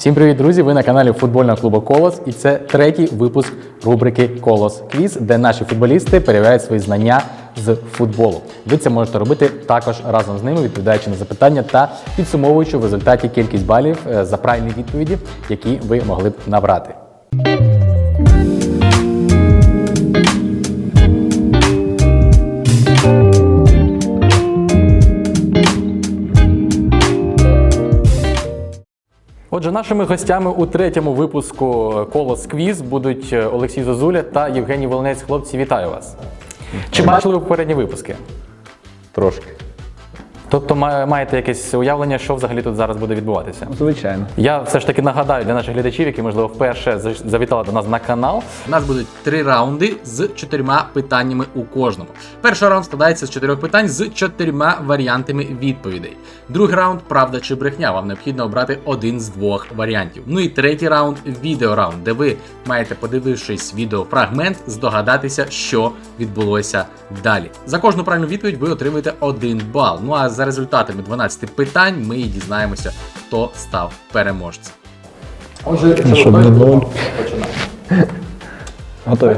Всім привіт, друзі! Ви на каналі футбольного клубу «Колос» і це третій випуск рубрики «Колос Квіз», де наші футболісти перевіряють свої знання з футболу. Ви це можете робити також разом з ними, відповідаючи на запитання та підсумовуючи в результаті кількість балів за правильні відповіді, які ви могли б набрати. Отже, нашими гостями у третьому випуску «Колос Квіз» будуть Олексій Зозуля та Євгеній Волинець. Хлопці, вітаю вас! Чи бачили ви попередні випуски? Трошки. Тобто маєте якесь уявлення, що взагалі тут зараз буде відбуватися? Звичайно. Я все ж таки нагадаю для наших глядачів, які, можливо, вперше завітали до нас на канал. У нас будуть 3 раунди з 4 питаннями у кожному. Перший раунд складається з 4 питань з 4 варіантами відповідей. Другий раунд – правда чи брехня. Вам необхідно обрати один з 2 варіантів. Ну і третій раунд – відеораунд, де ви маєте, подивившись відеофрагмент, здогадатися, що відбулося далі. За кожну правильну відповідь ви отримуєте 1 бал. Ну а за результатами 12 питань ми і дізнаємося, хто став переможцем. Отже, щоб не було. Готові.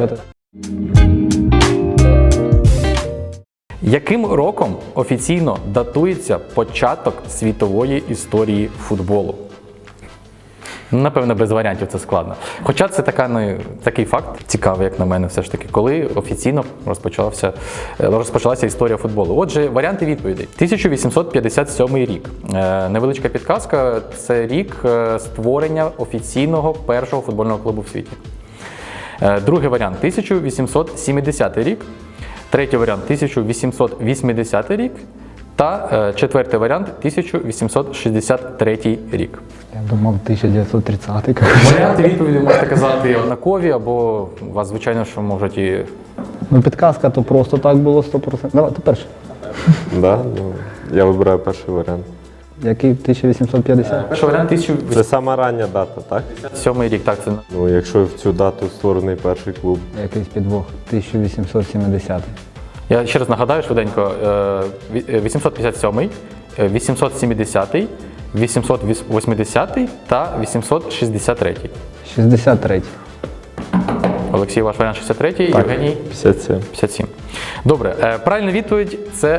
Яким роком офіційно датується початок світової історії футболу? Напевно, без варіантів це складно. Хоча це такий факт цікавий, як на мене, все ж таки, коли офіційно розпочалася історія футболу. Отже, варіанти відповідей. 1857 рік. Невеличка підказка – це рік створення офіційного першого футбольного клубу в світі. Другий варіант – 1870 рік. Третій варіант – 1880 рік. Та четвертий варіант – 1863 рік. Я думав 1930-й. Варіанти відповіді можете казати однакові, або у вас, звичайно, що можуть і... Ну, підказка то просто так було 100%. Давай, ти перший. Да, ну, я вибираю перший варіант. Який 1850? Перший варіант – Це 1857 сама рання дата, так? рік. Так, це... Ну, якщо в цю дату створений перший клуб. Якийсь підвох. 1870. Я ще раз нагадаю швиденько. 857, 870, 880 та 863. 63. Олексій, ваш варіант 63, Євгеній? 57. 57. Добре, правильна відповідь – це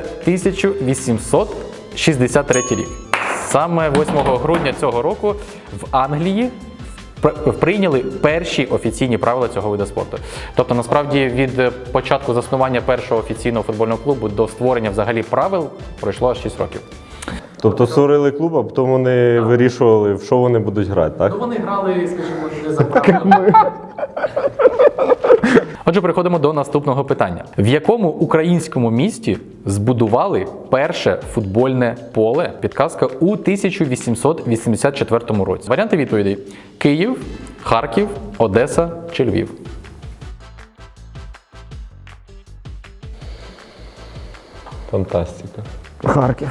1863 рік. Саме 8 грудня цього року в Англії прийняли перші офіційні правила цього виду спорту. Тобто, насправді, від початку заснування першого офіційного футбольного клубу до створення взагалі правил пройшло аж 6 років. Тобто створили клуб, а потім вони вирішували, в що вони будуть грати, так? Ну, вони грали, скажімо, не за правилами. Отже, переходимо до наступного питання. В якому українському місті збудували перше футбольне поле, підказка, у 1884 році? Варіанти відповідей: Київ, Харків, Одеса чи Львів? Фантастика. Харків.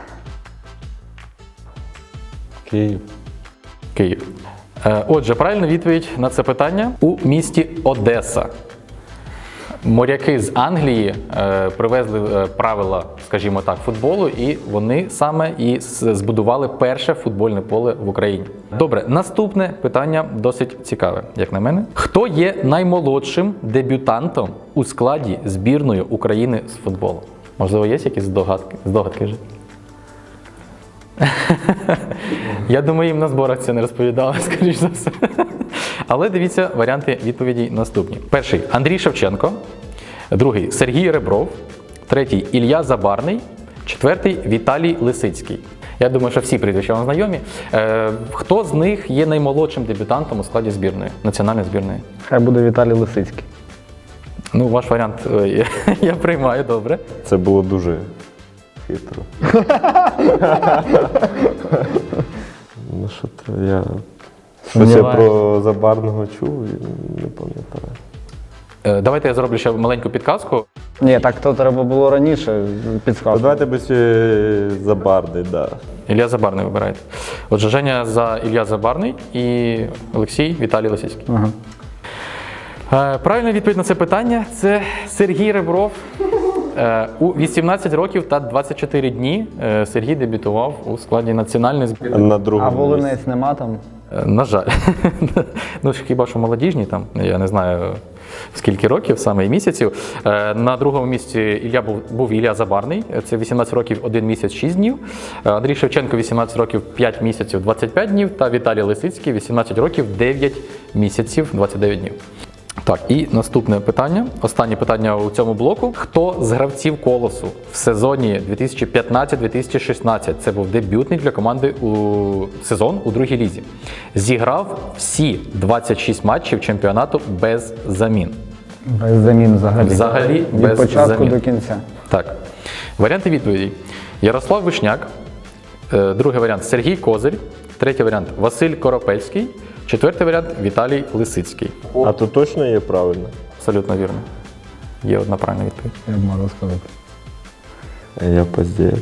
Київ. Київ. Отже, правильна відповідь на це питання – у місті Одеса. Моряки з Англії привезли правила, скажімо так, футболу, і вони саме і збудували перше футбольне поле в Україні. Добре, наступне питання досить цікаве, як на мене. Хто є наймолодшим дебютантом у складі збірної України з футболу? Можливо, є якісь здогадки вже? Я думаю, їм на зборах це не розповідали, скоріш за все. Але дивіться, варіанти відповідей наступні. Перший – Андрій Шевченко. Другий – Сергій Ребров. Третій – Ілля Забарний. Четвертий – Віталій Лисицький. Я думаю, що всі прізвища вам знайомі. Хто з них є наймолодшим дебютантом у складі збірної, національної збірної? Хай буде Віталій Лисицький. Ну, ваш варіант я приймаю, добре. Це було дуже хитро. Ну що то, я... Щось я про Забарного чув і не пам'ятаю. Давайте я зроблю ще маленьку підказку. Ні, так то треба було раніше підсказку. Давайте без Забарний, так. Да. Ілля Забарний вибираєте. Отже, Женя за Ілля Забарний і Олексій Віталій Лисицький. Ага. Правильна відповідь на це питання – це Сергій Ребров. У 18 років та 24 дні Сергій дебютував у складі національної збірної. На другому А Волинець нема там? На жаль. Ну, хіба що молодіжні, там, я не знаю, скільки років, саме і місяців. На другому місці був Ілля Забарний, це 18 років, 1 місяць, 6 днів. Андрій Шевченко, 18 років, 5 місяців, 25 днів. Та Віталій Лисицький, 18 років, 9 місяців, 29 днів. Так, і наступне питання, останнє питання у цьому блоку. Хто з гравців «Колосу» в сезоні 2015-2016, це був дебютний для команди сезон у другій лізі, зіграв всі 26 матчів чемпіонату без замін? Без замін взагалі. Взагалі Від без початку замін. до кінця. Так. Варіанти відповідей. Ярослав Вишняк, другий варіант Сергій Козир, третій варіант Василь Коропельський, четвертий варіант Віталій Лисицький. А то точно є правильно? Абсолютно вірно. Є одна правильна відповідь. Я б можу сказати. А я поздію.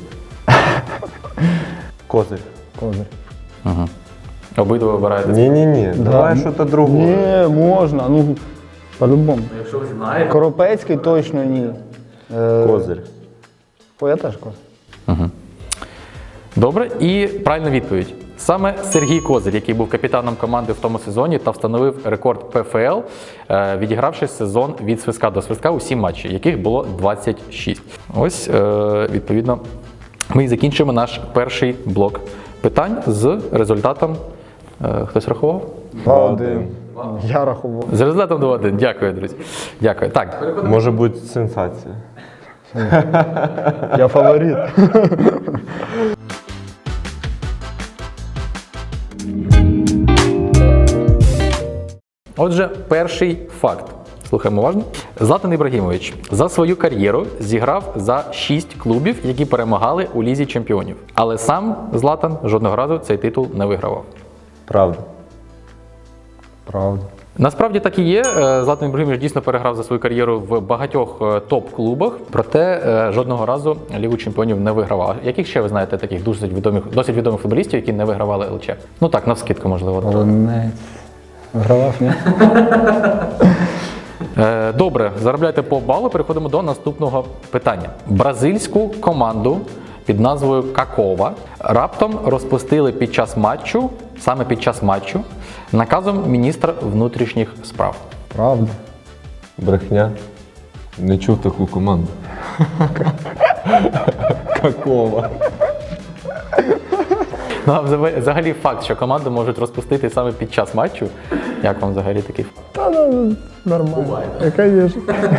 Козир. Козир. Угу. Обидва вибираєте. Ні, давай щось другое. Ні, можна, ну, по-любому. Якщо ви знаєте. Коропецький точно ні. Козир. Я теж козир. Добре, і правильна відповідь. Саме Сергій Козир, який був капітаном команди в тому сезоні та встановив рекорд ПФЛ, відігравши сезон від свистка до свистка у 7 матчів, яких було 26. Ось, відповідно, ми і закінчимо наш перший блок питань з результатом. Хтось рахував? 2-1. Я рахував. З результатом 2-1. Дякую, друзі. Дякую. Так, Може бути сенсація. Я фаворит. отже, перший факт. Слухаємо уважно. Златан Ібрагімович за свою кар'єру зіграв за 6 клубів, які перемагали у Лізі чемпіонів. Але сам Златан жодного разу цей титул не вигравав. Правда. Правда. Насправді так і є. Златан Ібрагімович дійсно переграв за свою кар'єру в багатьох топ-клубах, проте жодного разу Лігу чемпіонів не вигравав. Яких ще ви знаєте таких досить відомих футболістів, які не вигравали ЛЧ? Ну так, навскидку, можливо. Волинець. Вигравав, ні? Добре, заробляйте по балу. Переходимо до наступного питання. Бразильську команду під назвою Какова раптом розпустили під час матчу, саме під час матчу, наказом міністра внутрішніх справ. Правда. Брехня. Не чув таку команду. Какого? Ну, а взагалі факт, що команду можуть розпустити саме під час матчу. Як вам взагалі такий факт? Та ну, нормально. Звісно.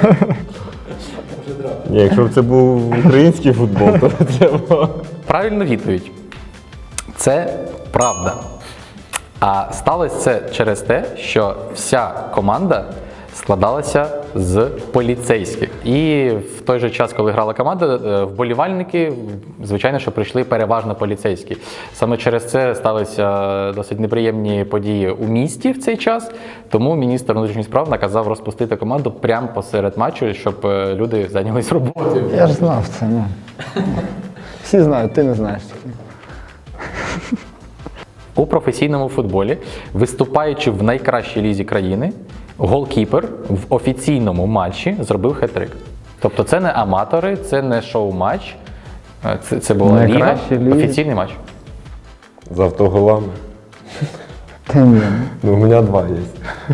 Ні, якщо б це був український футбол, то треба. Правильна відповідь. Це правда. А сталося це через те, що вся команда складалася з поліцейських. І в той же час, коли грала команда, вболівальники, звичайно, що прийшли переважно поліцейські. Саме через це сталися досить неприємні події у місті в цей час, тому міністр внутрішніх справ наказав розпустити команду прямо посеред матчу, щоб люди зайнялись роботою. Я ж знав це, ну. Всі знають, ти не знаєш тільки. У професійному футболі, виступаючи в найкращій лізі країни, голкіпер в офіційному матчі зробив хет-трик. Тобто це не аматори, це не шоу-матч, це була ліга, Найкраща ліга. офіційний матч. З автоголами. Та ні. Ну, у мене 2 є.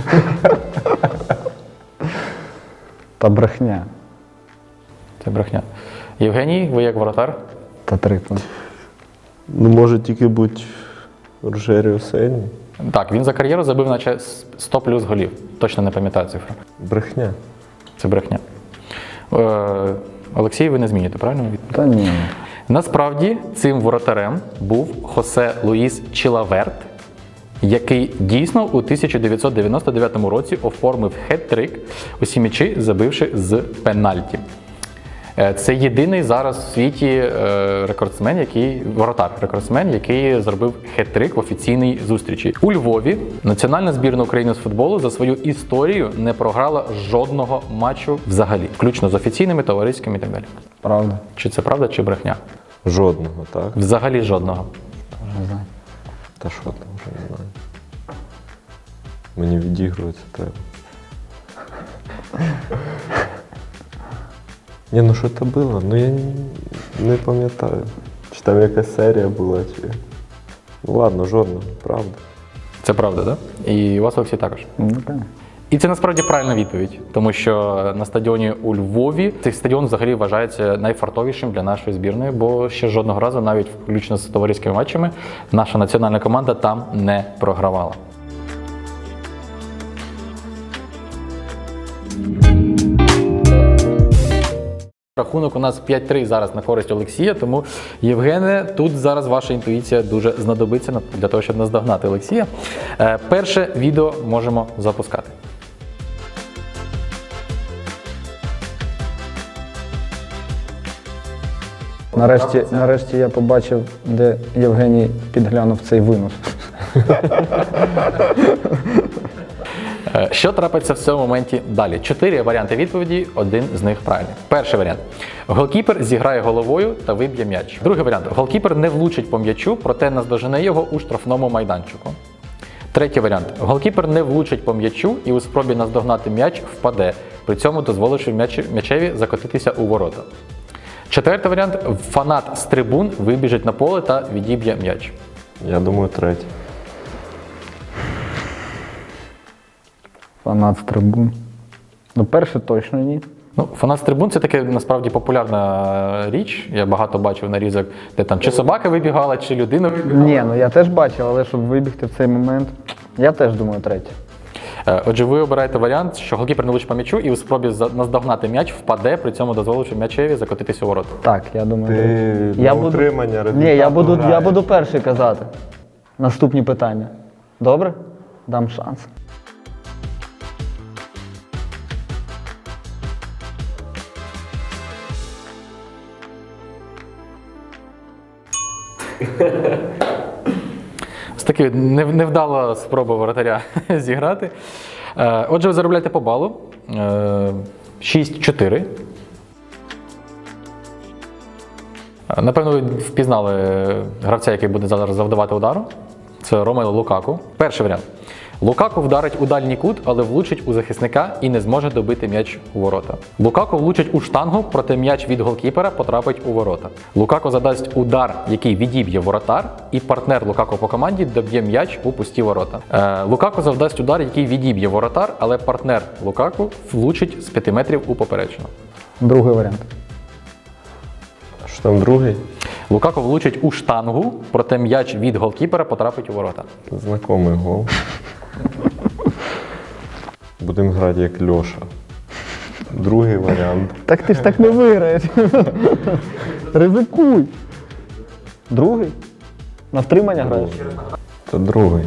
Та брехня. Це брехня. Євгеній, ви як воротар? Та трипла. Ну, може тільки бути Рожеріо Сені. Так, він за кар'єру забив наче 100 плюс голів. Точно не пам'ятаю цифру. Брехня. Це брехня. Олексій, ви не зміните, правильно? Та ні. Насправді, цим воротарем був Хосе Луїс Чилаверт, який дійсно у 1999 році оформив хет-трик, усі м'ячі забивши з пенальті. Це єдиний зараз у світі воротар-рекордсмен, який зробив хет-трик в офіційній зустрічі. У Львові національна збірна України з футболу за свою історію не програла жодного матчу взагалі, включно з офіційними, товариськими і так далі. Правда. Чи це правда, чи брехня? Жодного, так? Взагалі жодного. Не знаю. Та що там, вже не знаю. Мені відігруватися треба. Ні, ну що це було? Ну я не пам'ятаю. Чи там якась серія була, чи... Ну ладно, жодного, правда. Це правда, так? Да? І у вас, Олексій, також. Ну, так. І це насправді правильна відповідь, тому що на стадіоні у Львові цей стадіон взагалі вважається найфартовішим для нашої збірної, бо ще жодного разу, навіть включно з товариськими матчами, наша національна команда там не програвала. Рахунок у нас 5-3 зараз на користь Олексія, тому, Євгене, тут зараз ваша інтуїція дуже знадобиться для того, щоб наздогнати Олексія. Перше відео можемо запускати. Нарешті я побачив, де Євгеній підглянув цей винос. Що трапиться в цьому моменті далі? 4 варіанти відповіді, один з них правильний. Перший варіант. Голкіпер зіграє головою та виб'є м'яч. Другий варіант. Голкіпер не влучить по м'ячу, проте наздожене його у штрафному майданчику. Третій варіант. Голкіпер не влучить по м'ячу і у спробі наздогнати м'яч впаде, при цьому дозволивши м'ячеві закотитися у ворота. Четвертий варіант. Фанат з трибун вибіжить на поле та відіб'є м'яч. Я думаю, третій. Фанат з трибун. Ну, перше точно ні. Ну, фанат з трибун – це таке насправді популярна річ. Я багато бачив нарізок, де там чи собака вибігала, чи людина вибігала. Ні, ну я теж бачив, але щоб вибігти в цей момент, я теж думаю третє. Отже, ви обираєте варіант, що голкіпер не влучить по м'ячу і у спробі наздогнати м'яч впаде, при цьому дозволивши м'ячеві закотитися у ворота. Так, я думаю. Ти Я на буду- утримання результату Ні, я буду граєш. перший казати. Наступні питання. Добре? Дам шанс. Ось таки невдала спроба воротаря зіграти. Отже, ви заробляєте по балу. 6-4. Напевно, ви впізнали гравця, який буде зараз завдавати удару. Це Ромело Лукаку. Перший варіант. Лукаку вдарить у дальній кут, але влучить у захисника і не зможе добити м'яч у ворота. Лукаку влучить у штангу, проте м'яч від голкіпера потрапить у ворота. Лукаку задасть удар, який відіб'є воротар, і партнер Лукаку по команді доб'є м'яч у пусті ворота. Лукаку завдасть удар, який відіб'є воротар, але партнер Лукаку влучить з 5 метрів у поперечину. Другий варіант. Що там другий? Лукаку влучить у штангу, проте м'яч від голкіпера потрапить у ворота. Знакомий гол. Будемо грати як Льоша. Другий варіант. Так ти ж так не виграєш. Ризикуй. Другий? На втримання граєш? Це другий.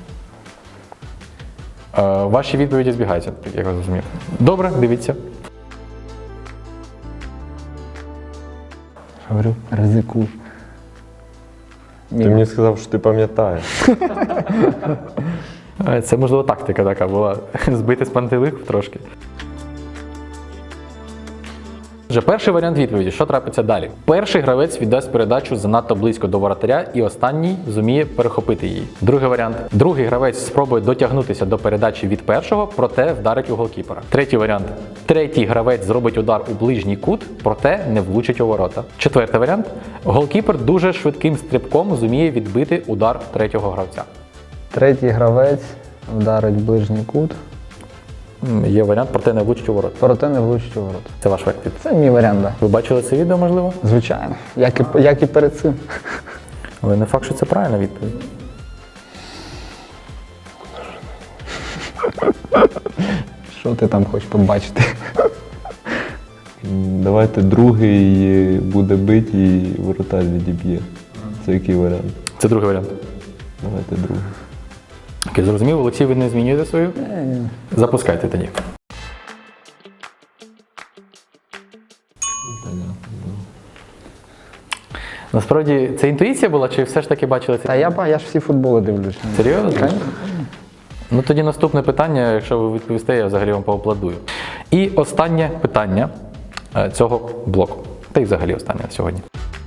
Ваші відповіді збігаються, як я зрозумів. Добре, дивіться. Говорю, ризикуй. Ти мені сказав, що ти пам'ятаєш. Це, можливо, тактика така була. Збити з пантелику трошки. Отже, перший варіант відповіді. Що трапиться далі? Перший гравець віддасть передачу занадто близько до воротаря і останній зуміє перехопити її. Другий варіант. Другий гравець спробує дотягнутися до передачі від першого, проте вдарить у голкіпера. Третій варіант. Третій гравець зробить удар у ближній кут, проте не влучить у ворота. Четвертий варіант. Голкіпер дуже швидким стрибком зуміє відбити удар третього гравця. Третій гравець вдарить ближній кут, Є варіант, проте не влучить у ворота. проте не влучить у ворота. Це ваш варіант. Це мій варіант, так. Ви бачили це відео, можливо? Звичайно. Як і перед цим. Але не факт, що це правильна відповідь. Що ти там хочеш побачити? Давайте другий буде бити і воротар відіб'є. Це який варіант? Це другий варіант. Давайте другий. Окей, зрозумів, Олексій, ви не змінюєте свою? Запускайте тоді. Насправді, це інтуїція була, чи все ж таки бачили це? Та я ж всі футболи дивлюсь. Серйозно? Ну тоді наступне питання, якщо ви відповісте, я взагалі вам поаплодую. І останнє питання цього блоку. Та й взагалі останнє на сьогодні.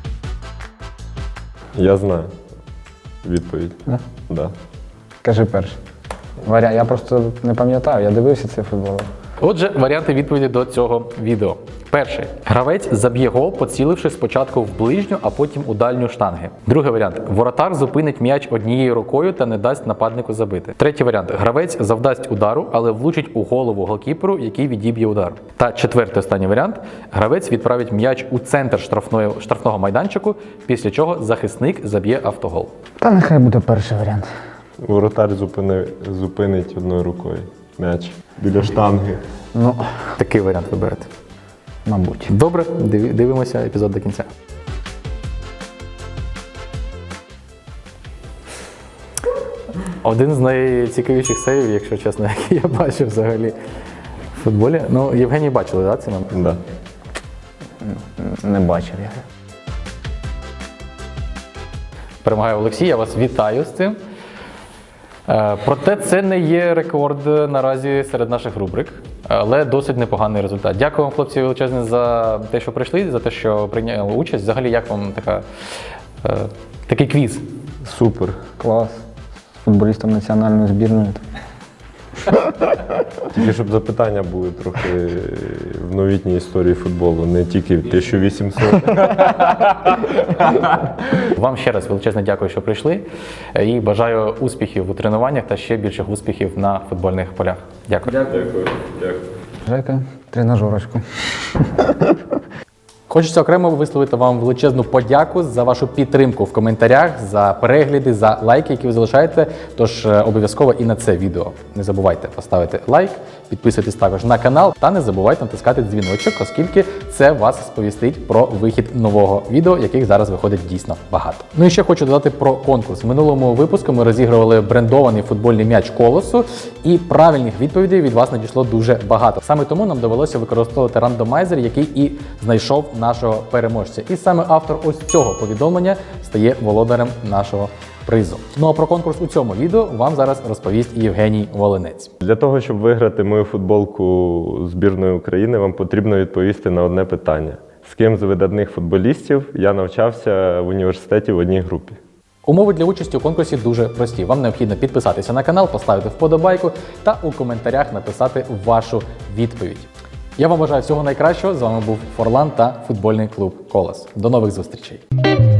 Я знаю відповідь. Да? Да. Кажи перший. Я просто не пам'ятаю, я дивився цей футбол. Отже, варіанти відповіді до цього відео. Перший. Гравець заб'є гол, поціливши спочатку в ближню, а потім у дальню штанги. Другий варіант. Воротар зупинить м'яч однією рукою та не дасть нападнику забити. Третій варіант. Гравець завдасть удару, але влучить у голову голкіперу, який відіб'є удар. Та четвертий останній варіант. Гравець відправить м'яч у центр штрафного майданчику, після чого захисник заб'є автогол. Та нехай буде перший варіант. Воротар зупинить одною рукою м'яч біля штанги. Ну, Такий варіант виберете. мабуть. Добре, дивимося епізод до кінця. Один з найцікавіших сейвів, якщо чесно, який я бачив взагалі в футболі. Ну, Євгеній бачили, так, цей момент? Да. Не бачив я. Перемагає Олексій, я вас вітаю з цим. Проте це не є рекорд наразі серед наших рубрик, але досить непоганий результат. Дякую вам, хлопці, величезне за те, що прийшли, за те, що прийняли участь. Взагалі, як вам такий квіз? Супер. Клас. З футболістом національної збірної. Тільки щоб запитання були трохи в новітній історії футболу, не тільки 1800. Вам ще раз величезне дякую, що прийшли. І бажаю успіхів у тренуваннях та ще більших успіхів на футбольних полях. Дякую. Дякую. Жека, тренажерочку. Хочеться окремо висловити вам величезну подяку за вашу підтримку в коментарях, за перегляди, за лайки, які ви залишаєте. Тож обов'язково і на це відео не забувайте поставити лайк, підписуйтесь також на канал та не забувайте натискати дзвіночок, оскільки це вас сповістить про вихід нового відео, яких зараз виходить дійсно багато. Ну і ще хочу додати про конкурс. В минулому випуску ми розігрували брендований футбольний м'яч Колосу, і правильних відповідей від вас надійшло дуже багато. Саме тому нам довелося використовувати рандомайзер, який і знайшов нашого переможця. І саме автор ось цього повідомлення стає володарем нашого призу. Ну а про конкурс у цьому відео вам зараз розповість Євгеній Волинець. Для того, щоб виграти мою футболку збірної України, вам потрібно відповісти на одне питання. З ким з видатних футболістів я навчався в університеті в одній групі? Умови для участі у конкурсі дуже прості. Вам необхідно підписатися на канал, поставити вподобайку та у коментарях написати вашу відповідь. Я вам бажаю всього найкращого. З вами був Форлан та футбольний клуб Колос. До нових зустрічей!